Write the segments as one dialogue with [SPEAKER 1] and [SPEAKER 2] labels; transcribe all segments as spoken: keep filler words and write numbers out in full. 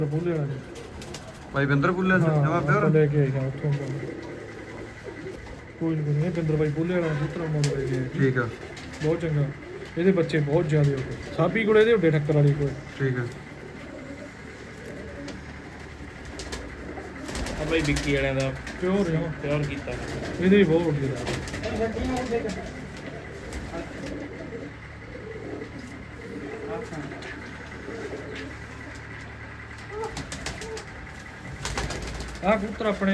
[SPEAKER 1] ਬੋਲੇ ਵਾਲਾ
[SPEAKER 2] ਭਾਈ ਬਿੰਦਰ ਬੁੱਲੇ ਜਮਾ ਪਿਓਰ
[SPEAKER 1] ਲੈ ਕੇ ਆਇਆ ਉੱਥੋਂ ਕੋਈ ਨਹੀਂ ਨਹੀਂ ਬਿੰਦਰ ਬਾਈ ਬੋਲੇ ਵਾਲਾ ਪੁੱਤਰ ਮੋੜ ਲੈ ਕੇ ਆਇਆ
[SPEAKER 2] ਠੀਕ ਆ
[SPEAKER 1] ਬਹੁਤ ਚੰਗਾ ਇਹਦੇ ਬੱਚੇ ਬਹੁਤ ਜ਼ਿਆਦੇ ਹੋ ਗਏ ਸਾਬੀ ਕੋਲੇ ਇਹਦੇ ਉੱਡੇ ਠੱਕਰ ਵਾਲੀ ਕੋਲ
[SPEAKER 2] ਠੀਕ ਆ
[SPEAKER 3] ਆ ਬਾਈ ਵਿੱਕੀ ਵਾਲਿਆਂ ਦਾ
[SPEAKER 1] ਪਿਓਰ ਆ
[SPEAKER 3] ਪਿਓਰ ਕੀਤਾ
[SPEAKER 1] ਇਹਦੇ ਵੀ ਬਹੁਤ ਉੱਡੇ ਦਾ ਆ ਕਬੂਤਰ ਆਪਣੇ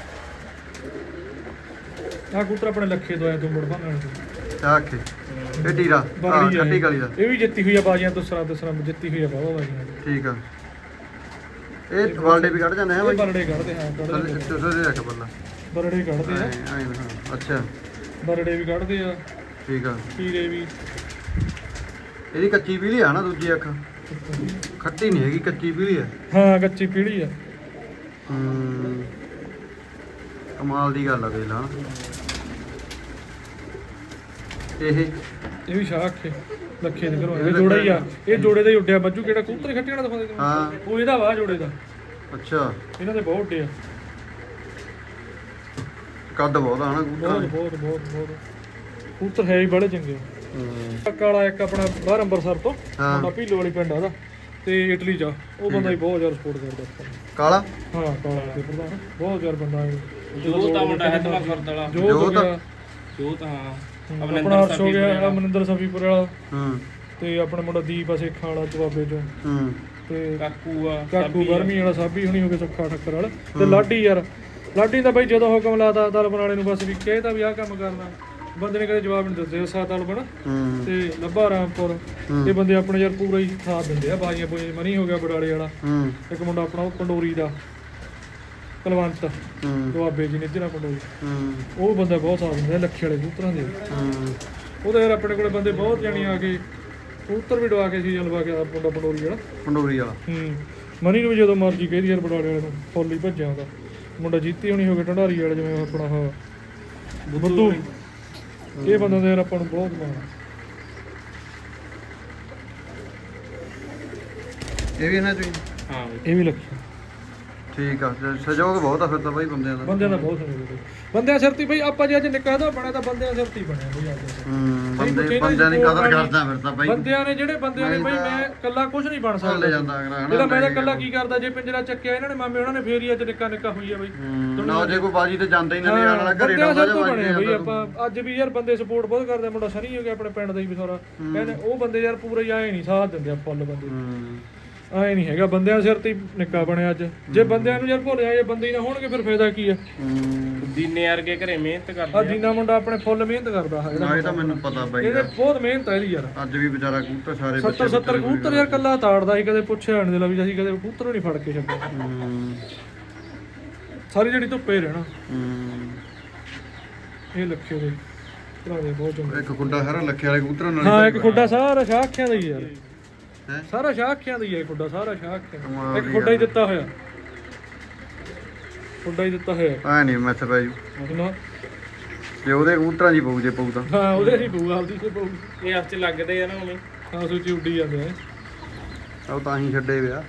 [SPEAKER 1] ਆ ਕਬੂਤਰ ਆਪਣੇ ਲੱਖੇ ਤੋਂ ਆਇਆ ਤੋਂ ਮੁੜ ਭਾਣ ਤੋਂ
[SPEAKER 2] ਆਖੇ ਇਹ ਟੀਰਾ ਆ ਛੱਟੀ ਗਲੀ ਦਾ
[SPEAKER 1] ਇਹ ਵੀ ਜਿੱਤੀ ਹੋਈ ਆ ਬਾਜੀਆਂ ਦੂਸਰਾ ਦੂਸਰਾ ਜਿੱਤੀ ਹੋਈ ਆ ਬਾਬਾ ਬਾਜੀਆਂ
[SPEAKER 2] ਠੀਕ ਆ ਇਹ ਵਾਲਡੇ ਵੀ ਕੱਢ ਜਾਂਦੇ ਹੈ
[SPEAKER 1] ਇਹ
[SPEAKER 2] ਬਾਈ
[SPEAKER 1] ਬਰੜੇ ਕੱਢਦੇ ਹਾਂ ਕੱਢਦੇ
[SPEAKER 2] ਤੁਸੀਂ ਦੇ ਰੱਖ ਬੱਲਾ
[SPEAKER 1] ਬਰੜੇ ਕੱਢਦੇ ਆ
[SPEAKER 2] ਐਂ ਹਾਂ ਅੱਛਾ
[SPEAKER 1] ਬਰੜੇ ਵੀ ਕੱਢਦੇ ਆ
[SPEAKER 2] ਠੀਕ ਆ
[SPEAKER 1] ਕੀਰੇ ਵੀ
[SPEAKER 2] ਇਹਦੀ ਕੱਚੀ ਪੀਲੀ ਆ ਨਾ ਦੂਜੀ ਅੱਖ ਖੱਟੀ ਨਹੀਂ ਹੈਗੀ ਕੱਚੀ ਪੀਲੀ ਆ
[SPEAKER 1] ਹਾਂ ਕੱਚੀ ਪੀੜੀ ਆ
[SPEAKER 2] ਹੂੰ ਕਮਾਲ ਦੀ ਗੱਲ ਆ ਵੇਖ ਲਾ ਇਹ
[SPEAKER 1] ਇਹ ਵੀ ਸ਼ਾਖ ਹੈ ਲੱਖੇ ਦੇ ਘਰੋਂ ਇਹ ਜੋੜਾ ਹੀ ਆ ਇਹ ਜੋੜੇ ਦਾ ਹੀ ਉੱਡਿਆ ਬੱਜੂ ਕਿਹੜਾ ਕਬੂਤਰ ਖੱਟੇ ਵਾਲਾ ਦਿਖਾਉਂਦੇ
[SPEAKER 2] ਹਾਂ
[SPEAKER 1] ਉਹ ਇਹਦਾ ਵਾ ਜੋੜੇ ਦਾ
[SPEAKER 2] ਅੱਛਾ
[SPEAKER 1] ਇਹਨਾਂ ਦੇ ਬਹੁਤ ਉੱਡੇ ਆ
[SPEAKER 2] ਕੱਦ ਬਹੁਤ ਆ ਨਾ
[SPEAKER 1] ਬਹੁਤ
[SPEAKER 2] ਕਬੂਤਰਾਂ
[SPEAKER 1] ਬਹੁਤ ਬਹੁਤ ਬਹੁਤ ਕਬੂਤਰ ਹੈ ਹੀ ਬੜੇ ਚੰਗੇ
[SPEAKER 2] ਹੂੰ
[SPEAKER 1] ਕਾਲਾ ਇੱਕ ਆਪਣਾ ਬਾਹਰ ਅੰਬਰਸਰ ਤੋਂ
[SPEAKER 2] ਹਾਂ।
[SPEAKER 1] ਮੁੰਡਾ ਭੀਲੋ ਵਾਲੀ ਪਿੰਡ ਆ ਉਹਦਾ ਤੇ ਇਟਲੀ ਚ ਆ। ਉਹ ਬੰਦਾ ਹੀ ਬਹੁਤ ਜ਼ਿਆਦਾ ਸਪੋਰਟ ਕਰਦਾ ਆਪਾਂ ਨੂੰ।
[SPEAKER 2] ਕਾਲਾ
[SPEAKER 1] ਹਾਂ ਕਾਲਾ ਤੇ ਪ੍ਰਧਾਨ ਬਹੁਤ ਜ਼ਿਆਦਾ ਬੰਦਾ ਹੈ
[SPEAKER 3] ਜੋਤ ਆ ਮੁੰਡਾ ਹੈ ਤਮਾ ਗੁਰਦ ਵਾਲਾ
[SPEAKER 1] ਜੋਤ ਹੋ ਗਿਆ
[SPEAKER 3] ਜੋਤ ਹਾਂ
[SPEAKER 1] ਆਪਣਾ ਅਰਸ਼ ਹੋ ਗਿਆ ਅਮਰਿੰਦਰ ਸਫੀਪੁਰ ਵਾਲਾ
[SPEAKER 2] ਹੂੰ
[SPEAKER 1] ਤੇ ਆਪਣਾ ਮੁੰਡਾ ਦੀਪ ਅਸੇ ਖਾਲਾ ਜਵਾਬੇ ਚੋਂ
[SPEAKER 2] ਹੂੰ
[SPEAKER 1] ਤੇ
[SPEAKER 3] ਕਾਕੂ ਆ
[SPEAKER 1] ਕਾਕੂ ਬਰਮੀ ਵਾਲਾ ਸਾਬੀ ਹੁਣੀ ਹੋ ਗਏ ਸੁੱਖਾ ਠੱਕਰ ਵਾਲਾ ਤੇ ਲਾਡੀ ਯਾਰ ਲਾਡੀ ਦਾ ਬਾਈ ਜਦੋਂ ਹੁਕਮ ਲਾਤਾ ਤਲਬਨ ਵਾਲੇ ਨੂੰ ਬਸ ਵੀ ਕਹਿਤਾ ਵੀ ਆਹ ਕੰਮ ਕਰਨਾ ਬੰਦੇ ਨੇ ਕਦੇ ਜਵਾਬ ਨਹੀਂ ਦਿੱਤੇ ਸਾਤ ਤਲਬਨ
[SPEAKER 2] ਹੂੰ
[SPEAKER 1] ਤੇ ਲੱਭਾ ਰਾਮਪੁਰ ਇਹ ਬੰਦੇ ਆਪਣੇ ਯਾਰ ਪੂਰਾ ਹੀ ਸਾਥ ਦਿੰਦੇ ਆ ਬਾਜੀਆਂ ਬੋਏ ਮਨੀ ਹੋ ਗਿਆ ਬਡਾਲੇ ਵਾਲਾ
[SPEAKER 2] ਹੂੰ
[SPEAKER 1] ਇੱਕ ਮੁੰਡਾ ਆਪਣਾ ਉਹ ਪੰਡੋਰੀ ਦਾ ਕਲਵੰਤ
[SPEAKER 2] ਹੂੰ
[SPEAKER 1] ਦੁਆਬੇ ਜੀ ਨਿੱਜਰਾ ਪੰਡੋਰੀ
[SPEAKER 2] ਹੂੰ
[SPEAKER 1] ਉਹ ਬੰਦਾ ਬਹੁਤ ਸਾਥ ਦਿੰਦੇ ਆ ਲੱਖੇ ਵਾਲੇ ਕਬੂਤਰਾਂ ਦੇ
[SPEAKER 2] ਹੂੰ
[SPEAKER 1] ਉਹਦੇ ਯਾਰ ਆਪਣੇ ਕੋਲੇ ਬੰਦੇ ਬਹੁਤ ਜਾਣੀ ਆ ਕੇ ਕਬੂਤਰ ਵੀ ਡਵਾ ਕੇ ਸੀ ਲਵਾ ਕੇ ਆ ਮੁੰਡਾ ਪੰਡੋਰੀ ਵਾਲਾ
[SPEAKER 2] ਪੰਡੋਰੀ ਵਾਲਾ
[SPEAKER 1] ਹੂੰ ਮਨੀ ਨੂੰ ਵੀ ਜਦੋਂ ਮਰਜੀ ਕਹਿੰਦੀ ਯਾਰ ਬਡਾਲੇ ਵਾਲੇ ਨੂੰ ਫੁੱਲ ਹੀ ਭੱਜਿਆ ਉਹਦਾ ਮੁੰਡਾ ਜੀਤੀ ਹੋਣੀ ਹੋ ਗਏ ਢੰਡਾਰੀ ਵਾਲੇ ਜਿਵੇਂ ਆਪਣਾ ਆਹ ਬੁੱਧੂ ਇਹ ਬੰਦਾ ਦੇ ਯਾਰ ਆਪਾਂ ਨੂੰ ਬਹੁਤ ਮਾਣ
[SPEAKER 2] ਇਹ ਵੀ ਇਹਨਾਂ ਚੋਂ ਹੀ?
[SPEAKER 3] ਹਾਂ
[SPEAKER 1] ਇਹ ਵੀ ਲੱਖੀ
[SPEAKER 2] ਠੀਕ ਆ ਸ- ਸਹਿਯੋਗ ਬਹੁਤ ਆ ਫਿਰ ਤਾਂ ਬਾਈ ਬੰਦਿਆਂ ਦਾ
[SPEAKER 1] ਬੰਦਿਆਂ ਦਾ ਬਹੁਤ ਸਮਝਦੇ ਬੰਦਿਆਂ ਸਿਰ ਤੇ ਬਈ ਆਪਾਂ ਜੇ ਅੱਜ ਨਿੱਕਾ ਦਾ ਬਣਿਆ ਤਾਂ ਬੰਦਿਆਂ ਸਿਰ ਤੇ ਹੀ ਬਣਿਆ ਬਈ ਅੱਜ
[SPEAKER 2] ਹੂੰ ਬੰਦੇ ਬੰਦਿਆਂ ਦੀ ਕਦਰ ਕਰਦਾ ਫਿਰ ਤਾਂ ਬਾਈ
[SPEAKER 1] ਬੰਦਿਆਂ ਨੇ ਜਿਹੜੇ ਬੰਦਿਆਂ ਨੇ ਬਈ ਮੈਂ ਇਕੱਲਾ ਕੁਝ ਨਹੀਂ ਬਣ
[SPEAKER 2] ਲੈ
[SPEAKER 1] ਸਕਦਾ
[SPEAKER 2] ਜਾਂਦਾ ਅਗਲਾ
[SPEAKER 1] ਇਹਦਾ ਮੈਂ ਤਾਂ
[SPEAKER 2] ਹਨਾ
[SPEAKER 1] ਇਕੱਲਾ ਕੀ ਕਰਦਾ ਜੇ ਪਿੰਜਰਾ ਚੱਕਿਆ ਇਹਨਾਂ ਨੇ ਮਾਮੇ ਉਹਨਾਂ ਨੇ ਫੇਰ ਹੀ ਅੱਜ ਨਿੱਕਾ ਨਿੱਕਾ ਹੋਈ ਆ ਬਈ
[SPEAKER 2] ਹੂੰ, ਨਾ ਜੇ ਕੋਈ ਬਾਜੀ ਤੇ ਜਾਂਦਾ ਹੀ ਨਾ ਵੀ ਆਣ ਵਾਲਾ ਘਰੇ
[SPEAKER 1] ਬੰਦਿਆਂ
[SPEAKER 2] ਡਾਉਂਦਾ
[SPEAKER 1] ਸਿਰ
[SPEAKER 2] ਜਾਂ
[SPEAKER 1] ਤੋਂ
[SPEAKER 2] ਬਾਜੀ
[SPEAKER 1] ਬਣੇ ਬਈ
[SPEAKER 2] ਜਾਂਦਾ
[SPEAKER 1] ਆਪਾਂ ਅੱਜ ਵੀ ਯਾਰ ਬੰਦੇ ਸਪੋਰਟ ਬਹੁਤ ਕਰਦੇ ਆ, ਮੁੰਡਾ ਸਨੀ ਹੋ ਗਿਆ ਆਪਣੇ ਪਿੰਡ ਦਾ ਹੀ ਵਿਸਾਰਾ ਕਹਿੰਦੇ ਉਹ ਬੰਦੇ ਯਾਰ ਪੂਰਾ ਹੀ ਆਏ ਨਹੀਂ ਸਾਥ ਦਿੰਦੇ ਆ ਫੁੱਲ ਬੰਦੇ
[SPEAKER 2] ਹੂੰ
[SPEAKER 1] ਆਏ ਨਹੀਂ ਹੈਗਾ ਬੰਦਿਆਂ ਸਿਰ ਤੇ ਹੀ ਨਿੱਕਾ ਬਣਿਆ ਅੱਜ ਜੇ ਬੰਦਿਆਂ ਨੂੰ ਯਾਰ ਭੁੱਲ ਜਾਏ ਬੰਦੇ ਹੀ ਨਾ ਹੋਣਗੇ ਫਿਰ ਫਾਇਦਾ ਕੀ ਆ
[SPEAKER 2] ਹੂੰ
[SPEAKER 3] ਦੀਨੇ ਵਰਗੇ ਘਰੇ ਮਿਹਨਤ
[SPEAKER 1] ਆ
[SPEAKER 3] ਕਰਦੇ
[SPEAKER 1] ਜੀਨਾ ਮੁੰਡਾ ਆਪਣੇ ਫੁੱਲ ਮਿਹਨਤ ਕਰਦਾ ਹੈ
[SPEAKER 2] ਨਾ ਇਹ ਤਾਂ ਮੈਨੂੰ ਪਤਾ ਬਾਈ
[SPEAKER 1] ਇਹਦੇ
[SPEAKER 2] ਦਾ।
[SPEAKER 1] ਬਹੁਤ ਮਿਹਨਤ ਹੈ ਇਹਦੀ ਯਾਰ
[SPEAKER 2] ਅੱਜ ਵੀ ਵਿਚਾਰਾ ਕਬੂਤਰ ਸਾਰੇ
[SPEAKER 1] ਸੱਤਰ ਸੱਤਰ ਕਬੂਤਰ ਯਾਰ ਕੱਲਾ ਤਾੜਦਾ ਸੀ ਕਦੇ ਪੁੱਛਿਆ ਨਹੀਂ ਦਿਲਾ ਵੀ ਅਸੀਂ ਕਦੇ ਕਬੂਤਰ ਨਹੀਂ ਫੜ ਕੇ ਛੱਡਿਆ
[SPEAKER 2] ਹੂੰ
[SPEAKER 1] ਸਾਰੀ ਜਿਹੜੀ ਧੁੱਪੇ ਰਹਿਣਾ
[SPEAKER 2] ਹੂੰ
[SPEAKER 1] ਇਹ ਲੱਖੇ ਦੇ ਭਰਾ ਦੇ ਬਹੁਤ ਚੰਗੇ
[SPEAKER 2] ਇੱਕ ਖੁੱਡਾ ਸਾਰਾ ਲੱਖੇ ਵਾਲੇ ਕਬੂਤਰਾਂ ਨਾਲ
[SPEAKER 1] ਹਾਂ ਇੱਕ ਖੁੱਡਾ ਸਾਰਾ ਸ਼ਾਖਿਆਂ ਦਾ ਹੀ ਯਾਰ
[SPEAKER 2] ਹੈਂ?
[SPEAKER 1] ਸਾਰਾ ਸ਼ਾਖਿਆਂ ਦਾ ਹੀ ਹੈ ਖੁੱਡਾ ਸਾਰਾ ਸ਼ਾਖਿਆਂ
[SPEAKER 2] ਕਮਾਲ
[SPEAKER 1] ਦਾ। ਇੱਕ
[SPEAKER 2] ਦੀ
[SPEAKER 1] ਖੁੱਡਾ ਹੀ ਦਿੱਤਾ ਹੋਇਆ ਖੁੱਡਾ ਹੀ ਦਿੱਤਾ ਹੋਇਆ
[SPEAKER 2] ਆ ਨਹੀਂ ਮੈਥ ਬਾਈ
[SPEAKER 1] ਨਾ
[SPEAKER 2] ਜੇ ਉਹਦੇ ਕਬੂਤਰਾਂ ਦੀ ਪਊ ਜੇ ਪਊ ਤਾਂ
[SPEAKER 1] ਹਾਂ ਉਹਦੇ ਹੀ ਪਊ ਆਪਦੀ ਤੇ ਪਊ
[SPEAKER 3] ਇਹ ਆਪ ਚ ਲੱਗਦੇ ਆ ਨਾ ਉਵੇਂ
[SPEAKER 1] ਹਾਂ ਸੋਚੀ ਉੱਡੀ ਜਾਂਦੇ ਆ
[SPEAKER 2] ਉਹ ਤਾਂ ਹੀ ਛੱਡੇ ਵਿਆ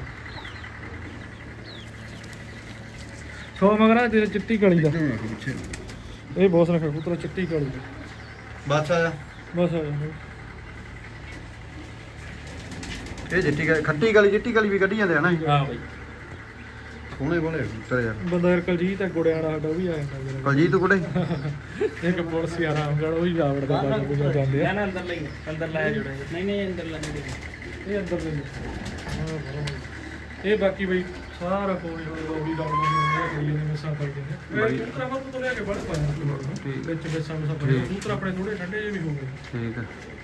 [SPEAKER 1] ਸੋ ਮਗਰਾ ਤੇ ਚਿੱਟੀ ਕਾਲੀ ਦਾ ਇਹ ਬਹੁਤ ਸੋਹਣਾ ਕਬੂਤਰ ਚਿੱਟੀ ਕਾਲੀ ਦਾ
[SPEAKER 2] ਬਸ ਆ ਜਾ
[SPEAKER 1] ਬਸ ਆ ਜਾ
[SPEAKER 2] ਇਹ ਜਿੱਟੀ ਗਾ- ਖੱਟੀ ਗਲੀ ਜਿੱਟੀ ਗਲੀ ਵੀ ਕੱਢੀ ਜਾਂਦੇ ਆ ਨਾ ਇਹ।
[SPEAKER 3] ਹਾਂ ਬਾਈ
[SPEAKER 2] ਸੋਹਣੇ ਬੋਲੇ ਕਬੂਤਰ ਯਾਰ
[SPEAKER 1] ਬੰਦਾ ਯਾਰ ਕਲਜੀਤ ਹੈ ਗੁੜਿਆਂ ਵਾਲਾ ਸਾਡਾ ਉਹ ਵੀ ਆ ਜਾਂਦਾ ਜਿਹੜਾ
[SPEAKER 2] ਕਲਜੀਤ ਕੁੜੇ
[SPEAKER 1] ਇੱਕ ਪੁਲਿਸ ਯਾਰ ਆਮਗੜ ਉਹ ਹੀ ਜਾਵੜ ਦਾ ਬਾਜੂ ਬੁਝਾ ਜਾਂਦੇ ਆ
[SPEAKER 3] ਨਾ ਅੰਦਰ ਲਈ ਅੰਦਰ ਲਾਇਆ ਜੁੜੇ ਨਹੀਂ ਨਹੀਂ ਅੰਦਰ ਲਾਇਆ
[SPEAKER 1] ਇਹ ਅੰਦਰ ਦੇ ਹਾਂ ਬਰੋ ਇਹ ਬਾਕੀ ਬਈ ਸਾਰਾ ਕੋਈ ਹੋਇਆ ਉਹੀ ਡਾਊਨ ਨਹੀਂ ਕੋਈ ਨਹੀਂ ਮਿਸਾਂ ਕਰਦੇ ਨੇ ਇਹ ਕਬੂਤਰ ਆਪਾਂ ਤੋਂ ਲਿਆ ਕੇ ਬੜ ਪਾਇਆ
[SPEAKER 2] ਠੀਕ।
[SPEAKER 1] ਵਿੱਚ ਮਿਸਾਂ ਮਿਸਾਂ ਪਈਆਂ ਕਬੂਤਰ ਆਪਣੇ ਥੋੜੇ ਠੰਡੇ ਜਿਹੇ ਵੀ ਹੋ ਗਏ
[SPEAKER 2] ਠੀਕ ਆ